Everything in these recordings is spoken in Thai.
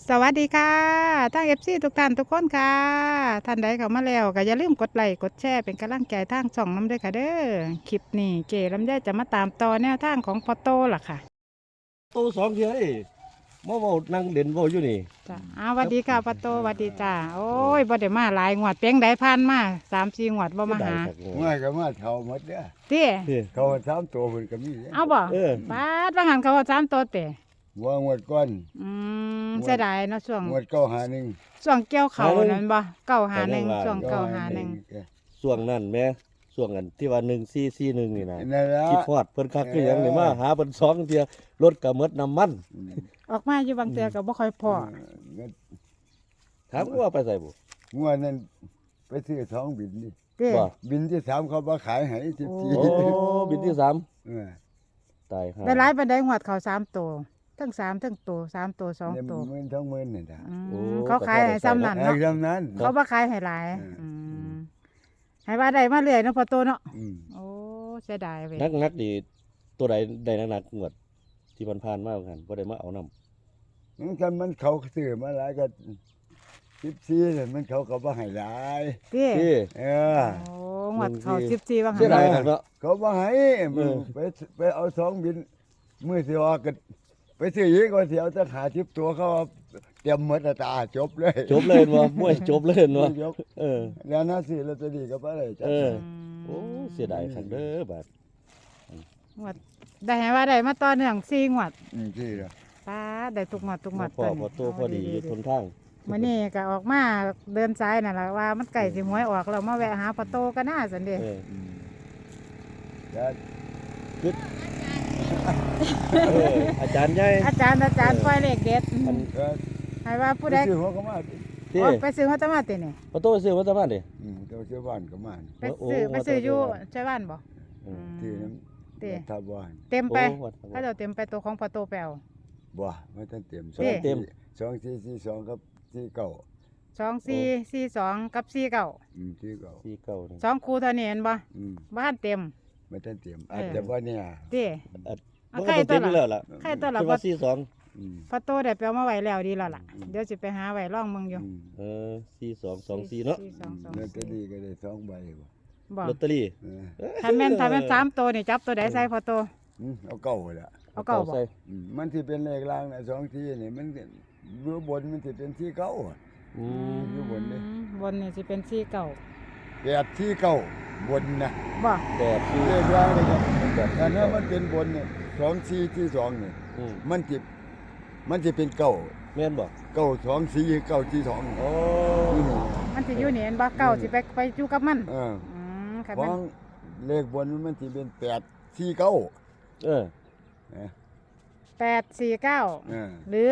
สวัสดีค่ะทั้งทุกท่านทุกคนค่ะท่านใดเข้ามาแล้วก็อย่าลืมกดไลค์กดแชร์เป็นกำลังใจทางช่องน้ำด้วยค่ะเด้อคลิปนี้เจลำไยจะมาตามต่อแนวทางของพอโตล่ะค่ะโตสองเทื่อนี่มาเว้านั่งเล่นเว้าอยู่นี่จ้ะสวัสดีค่ะพอโตสวัสดีจ้าโอ้ยบ่ได้มาหลายงวดเพียงใดผ่านมา3-4งวดบ่มาหาง่ายก็มาเท่าหมดเด้อเต้เด้อเขาสามตัวเพิ่นก็มีเด้อเอาบ่เออบาดว่าหันเขาว่า3ตัวเต้ว่างวดก่อนเสียดายเนาะช่วงงวดเก้าหาหนึ่งช่วงเกี่ยวเขานั่นบ่951ช่วง951 ช่วงนั้นแม่ช่วงนั้นที่ว่า1441นี่นะนั่นละคิดฮอดเพิ่นคักคือหยังนี่มาหาเพิ่นสองเทื่อรถก็หมดน้ำมันออกมาอยู่บางเทื่อก็บ่ค่อยพอถามว่าไปใส่บ่งวดนั้นไปซื้อท้องบินนี่เต้ว่าบินที่สามเขาบ่ขายให้ที่สี่โอ้บินที่สามเออตายห่าได้หลายปานใดงวดเขา3ตัวทั้ง3ทั้งตัว3ตัว2 เนี่ยตัวหมื่นท้องหมื่นนี่ล่ะเขาขายให้ซ้ำนั่นไอ้เนาะคำนั้นเขาบ่ขายให้หลายให้ว่าได้มาเรื่อยเนาะพอโตเนาะอืมโอ้เสียดายเว้ยนักๆนี่ตัวใดได้นักๆงวดที่ผ่านๆมาเหมือนกันบ่ได้มาเอานำมันกันมันเขาซื้อมาหลายก็14นั่นมันเขาก็บ่ให้หลายเต้ที่เออโอ้งวดเขา14ว่าเสียหั่ดายนคักเนาะเขาบ่ให้มึงไปเอาท้องบินมื้อสิออกก็ไปซื้ออีกว่าสิเอาจะหา10ตัวเขาเอาเตรียมหมดแล้วตาจบเลยจบเลยเนาะมวยจบเลยเนาะจบเออแล้วน่าสิลอตเตอรี่ก็บ่ได้จ้ะเออ โอ้เสียดายคักเด้อบาดงวดได้ให้ว่าได้มาต่อเนื่อง4งวดที่ละป้าได้ทุกงวดทุกงวดพอพอโตพอดีอยู่ทนทางมื้อนี้ก็ออกมาเดินสายนั่นล่ะว่ามันใกล้สิหวยออกแล้วมาแวะหาพอโตก็น่าซั่นเด้เออแล้วเอออาจารย์ใหญ่อาจารย์ปล่อยเลขเด็ดอันก็ให้ว่าผู้ใดซื้อหัวก็มาที่โอ้ไปซื้อมาตะมาตินี่พอโตซื้อมาตะบ้านดิเจ้าซื้อบ้านก็มาไปซื้ออยู่ใช่บ้านบ่อืมที่นั้นเต้ทับบ้านเต็มไปโอ้วัดถ้าเจ้าเต็มไปตัวของพอโตไปเอาบ่ไม่ทันเต็มเต็มเต็ม 2442ครับที่เก่า 2442กับ49 ที่เก่าที่เก่านี่ 2คู่เท่านี้เห็นบ่ บ้านเต็มไม่ทันเต็มอาจจะบ่เนี่ยเต้อัดเอามันใครก็ตัเต็วมละแล้วล่ะใครตัวละที่พอว่าสี่สองพอโตได้ไปเอามาไว้แล้วดีแล้วล่ะเดี๋ยวสิไปหาไว้ร่องมึงอยู่เออ4224เนาะลอตเตอรี่ก็ได้2ใบบ่บ่ลอตเตอรี่ถ้าแม่น3ตัวนี่จับตัวใดใส่พอโตเอาเก่าละเอาเก่าบ่ใส่มันที่เป็นเลขล่างนะ2ที่นี่มันเบื้อบนมันสิเป็นที่เก่าอืมอยู่บนนี่บนนี่สิเป็น49 8ที่เก่าบนนะบ่แบบที่เลขล่างนี่ครับแบบแต่เนื้อมันเป็นบนเนี่ย2 4ที่2นี่อืมมันสิเป็นเก่าแม่นบ่เก่า2 4เก่าที่2 โอ้นี่นี่มันสิอยู่นี่เห็นบ่เก่าสิไปอยู่กับมัน ค่ะขแม่อน งเลขบนมันสิเป็น8ที่เก่าเออ 849หรือ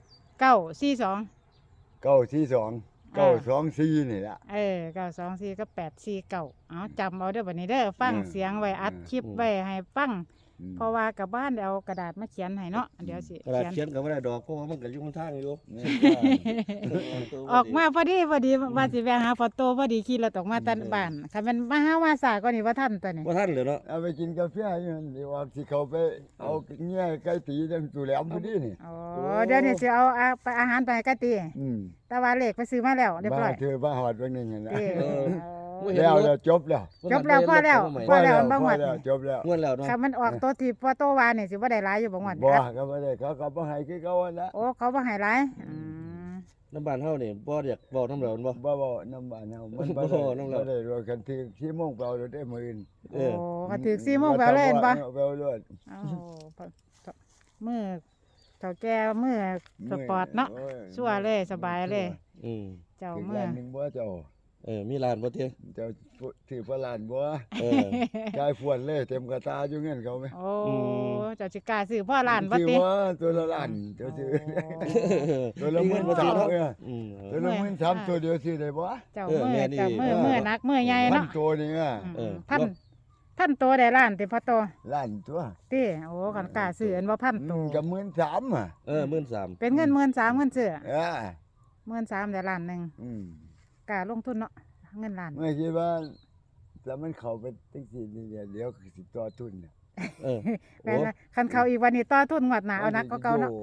942 เก่าที่2เก่า2 4นี่ล่ะ 924กับ849เอาจำเอาเด้อบัดนี้เด้อฟังเสียงไว้อัดคลิปไว้ให้ฟัง เพราะว่ากับบ้านเดี๋ยวเอากระดาษมาเขียนให้เนาะเดี๋ยวสิกระดาษเขียนเขียนก็บ่ได้ดอกเพราะว่ามันก็อยู่ข้างทางอยู่ออกมาพอดีว่าสิแวะหาพอโตพอดีขี่รถออกมาตันบ้านคันแม่นมาหาว่าสาก็นี่ว่าทันตัวนี้บ่ทันเลยเนาะเอาไปกินกาแฟอยู่นั่นเดี๋ยวว่าสิเขาไปเอาเงี้ยไก่ตีจังตุแหลมพอดีนี่อ๋อเดี๋ยวนี้สิเอาไปอาหารไปให้กะติอืมแต่ว่าเลขไปซื้อมาแล้วเรียบร้อยเธอบ้าหอดเบิ่งนึงนั่นนะเด้อแล้วจบแล้วจบแล้วพอแล้วพอแล้วมันบ่หมดจบแล้วงวดแล้วเนาะคันมันออกตัวที่พอโตว่านี่สิบ่ได้หลายอยู่บ่งวดบ่ครับก็บ่ได้เขาก็บ่ให้คือเขาหั่นละโอ้เขาบ่ให้หลายน้ำบ้านเฮานี่บ่อยากเว้านำแล้วบ่บ่น้ำบ้านเฮามันบ่บ่น้ำเราได้รวมกันที่ที่โมงเปล่าได้มื้ออื่นโอ้ก็ถึก4โมงแล้วเลยเห็นบ่เปล่ารวดโอ้มือเจ้าแก่มือสปอร์ตเนาะชั่วเลยสบายเลยอืมเจ้าถึงมือล้านหนึงบ่เจ้ามีร้านบ่เที่ยเจ้าถือพระลานบ่เออกายฟวนเลยเต็มกระตาอยู่เงินเขาไหมโอ้เจ้าสิกล้าซื้อพ่อล้านบ่ติถือว่าตัวละล้านเจ้าซื้อตัวละมีหเงิมื่นนบ่สามเนาะเออตัวละหมื่นสามตัวเดียวซื้อได้บ่เจ้าเออมือแม่นี่เจ้ามือหนักมือใหญ่พันเนาะตัวนี่อ่ะเออพันตัวได้ล้านติพ่อโตล้านตัวติโอ้คันกล้าซื้ออันบ่พันตัวกับ13,000อ่ะเออ13,000 เป็นเงิน13,000เงินซื้ออ่า 13,000ได้ล้านหนึงอืมกล้าลงทุนเนาะเงินล้านไม่คิดว่าถ้ามันเข้าไปจังซี่นี่เดี๋ยวสิต่อทุนเนี่ยเออแม่นว่าคันเขาอีกวันนี้ต่อทุนงวดหน้าเอานักก็เก่าเนาะ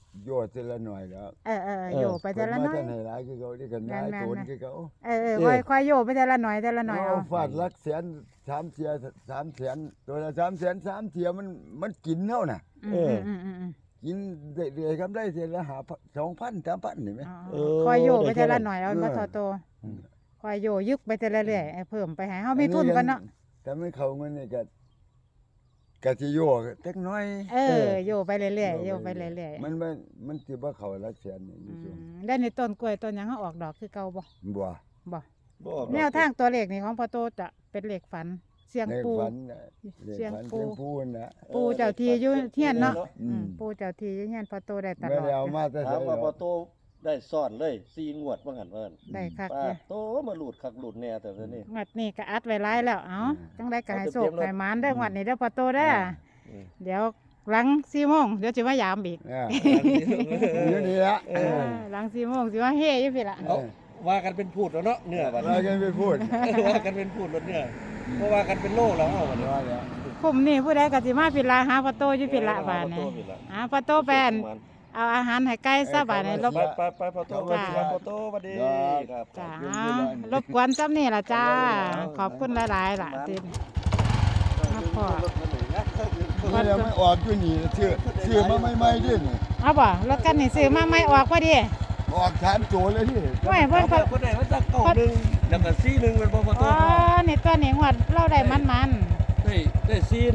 โยดทีละหน่อยแล้วโยไปแต่ละน้อยเพิ่นมาแต่ไหนหลายคือเขาที่กันนายแม่นๆโตนคือเขาค่อยโยไปแต่ละหน่อยแต่ละหน่อยเอาเอาฟาดลักแสน3 เสีย3 แสนตัวละ3 แสน3 เสียมันกินเท่าน่ะอืมกินเรื่อยๆครับได้เสียละ2,000 3,000นี่ไหมค่อยโยไปแต่ละหน่อยเอาเออมาโตอืมค่อยโยยึกไปแต่ละเรื่อยเพิ่มไปให้เฮามีทุนก่อนเนาะแต่ไม่เข้าเงินนี่ก็สิโยกจักหน้อยโยไปเรื่อยๆโยไปเรื่อยๆมันสิบ่เข้าลักแสนนี่อยู่ช่วงแล้วในต้นกล้วยต้นหยังเฮาออกดอกคือเก่าบ่บ่บ่บ่ออกดอกแนวทางตัวเลขนี่ของพ่อโตจะเป็นเลขฝันเสียงในปูฝันน่ะเลขเสียงฝันปูเสียงปูน่ะปูเจ้าที่อยู่เฮียนเนาะอืมปูเจ้าที่อยู่เฮียนพ่อโตได้ตไม่ลอดได้เอามาแต่ถามว่าไสพอโตได้ซ่อนเลย4งวดว่างั้นว่างั้นได้คักป้าเด้อโตมาหลุดคักหลุดแน่แต่เดี๋ยวนี้งวดนี้ก็อัดไว้หลายแล้วเอ้าจังได๋ก็ให้โชคให้หมานเด้องวดนี้เด้อพ่อโตเด้ออืมเดี๋ยวหลัง4โมงเดี๋ยวสิมายามอีกอยู่นี่ละหลัง4โมงสิมาเฮอยู่พี่ล่ะเอาว่ากันเป็นพูดแล้วเนาะเนื้อบัดเราจะไปพูดว่ากันเป็นพูดรถเนื้อเพราะว่ากันเป็นโลแล้วเอาบัดนี้ว่าแล้วคุมนี่ผู้ใดก็สิมาพี่ล่ะหาพ่อโตอยู่พี่ล่ะบาดนี้หาพ่อโตแปนเอาอาหารให้ไก่ซะบาดนี้รบไปพอโตสวัสดีครับพอโตสวัสดีครับจ้ารบกวนซ้ำนี่ล่ะจ้า ขอบคุณหลายๆล่ะที่มาพอมันยังไม่ออกอยู่นี่ชื่อมาใหม่ๆดินี่เอาบ่รถกันนี่ซื้อมาใหม่ออกพอดีออกถามโจเลยที่ไม่เพิ่นก็คนไหนว่าจะเก้าหนึ่งแล้วก็4 1เป็นพอโตอ๋อนี่ตัวนี้งวดเราได้มันได้4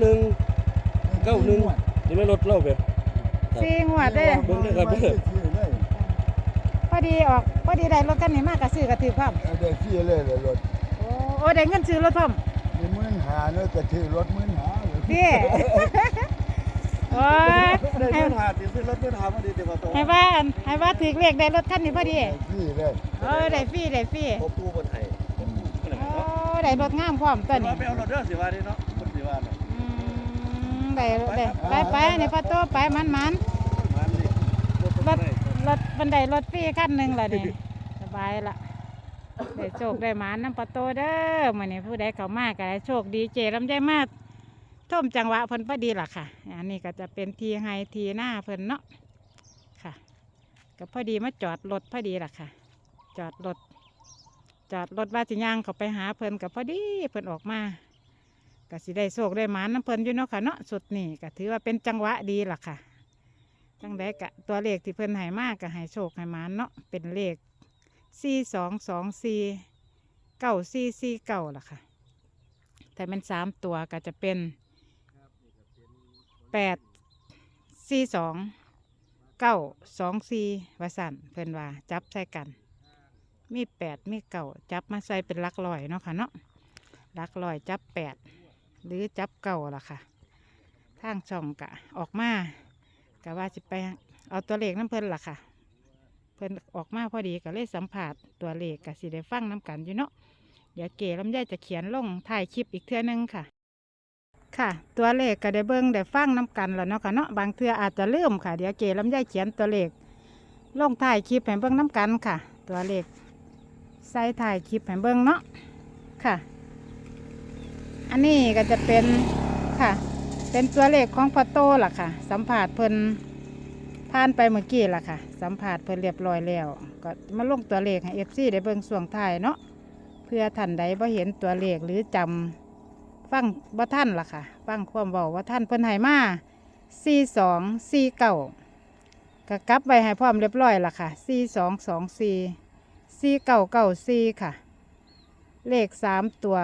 1 9 1นี่ไม่ลดเล่าแบบๆ4งวดเด้อเบิ่งเด้อครับเด้อชื่อเลยพอดีออกพอดีได้รถกันนี่มากก็ซื้อก็ถือพร้อมได้ชื่อเลยรถโอ้ได้เงินซื้อรถพร้อมมี15,000เนาะก็ชื่อรถ15,000 พี่ โอ้ยได้ให้เงินหาติซื้อรถเงินหาพอดีเดี๋ยวพอโตให้ว่าถือเลขได้รถคันนี้พอดีชื่อเลยได้ฟรีพบตู้บนไทยโอ้ได้รถงามพร้อมตัวนี้ไปเอารถเด้อสิว่าดิเนาะคนสิว่าเนาะได้ไปนี่พอโตไปมันมันนี่รถรถบันไดรถฟรีคันหนึงล่ะนี่สบายละได้โชคได้หมานน้ำพอโตเด้อมื้อนี้ผู้ใดเข้ามาก็ได้โชคดีเจลำไยมาท่มจังหวะเพิ่นพอดีล่ะค่ะอันนี้ก็จะเป็นทีไฮทีหน้าเพิ่นเนาะค่ะก็พอดีมาจอดรถพอดีล่ะค่ะ จอดรถว่าสิย่างเขาไปหาเพิ่นกับพอดีเพิ่นออกมาก็สิได้โชคได้หมานน้ำเพิ่นอยู่เนาะค่ะเนาะสุดนี่ก็ถือว่าเป็นจังหวะดีล่ะค่ะจังไดกะตัวเลขที่เพิ่นให้มากก็ให้โชคให้หมานเนาะเป็นเลข42249449ล่ะค่ะแต่เป็น3ตัวก็จะเป็น8429224ว่าสั่นเพิ่นว่าจับใส่กัน มี8มี9จับมาใส่เป็นหลักร้อยเนาะค่ะเนาะหลักร้อยจับ8หรือจับ9ล่ะค่ะทางช่องกะออกมากะว่าสิไปเอาตัวเลขน้ำเพิ่นล่ะค่ะเพิ่นออกมาพอดีก็เลยสัมผัสตัวเลขกะสิได้ฟังน้ำกันอยู่เนาะเดี๋ยวเก๋ลำไยจะเขียนลงถ่ายคลิปอีกเทื่อนึงค่ะ ค่ะ ตัวเลขก็ได้เบิ่งได้ฟังน้ำกันแล้วเนาะค่ะเนาะบางเทื่ออาจจะลืมค่ะเดี๋ยวเก๋ลำไยเขียนตัวเลขลงถ่ายคลิปให้เบิ่งน้ำกันค่ะ ตัวเลขใส่ถ่ายคลิปให้เบิ่งเนาะค่ะ อันนี้ก็จะเป็นค่ะ เป็นตัวเลขของพ่อโตล่ะค่ะ สัมผัสเพิ่นผ่านไปเมื่อกี้ล่ะค่ะ สัมผัสเพิ่นเรียบร้อยแล้ว ก็มาลงตัวเลขให้ FC ได้เบิ่งส่วงท้ายเนาะเพื่อท่านใดบ่เห็นตัวเลขหรือจำฟังบ่ท่านล่ะค่ะ ฟังความเว้าว่าท่านเพิ่นให้มา4249ก็กลับไว้ให้พร้อมเรียบร้อยล่ะค่ะ4224 4994ค่ะ เลข3ตัว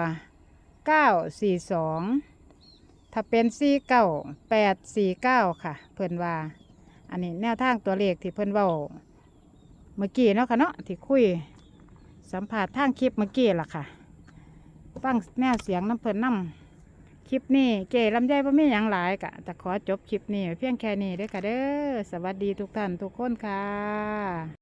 942ถ้าเป็น49849ค่ะ เพิ่นว่า อันนี้แนวทางตัวเลขที่เพิ่นเว้าเมื่อกี้เนาะค่ะเนาะที่คุยสัมผัสทางคลิปเมื่อกี้ล่ะค่ะฟังแนวเสียงน้ำเพิ่นนำคลิปนี้เก๋ลำไยบ่มีหยังหลายกะจะขอจบคลิปนี้ไว้เพียงแค่นี้เด้อค่ะเด้อสวัสดีทุกท่านทุกคนค่ะ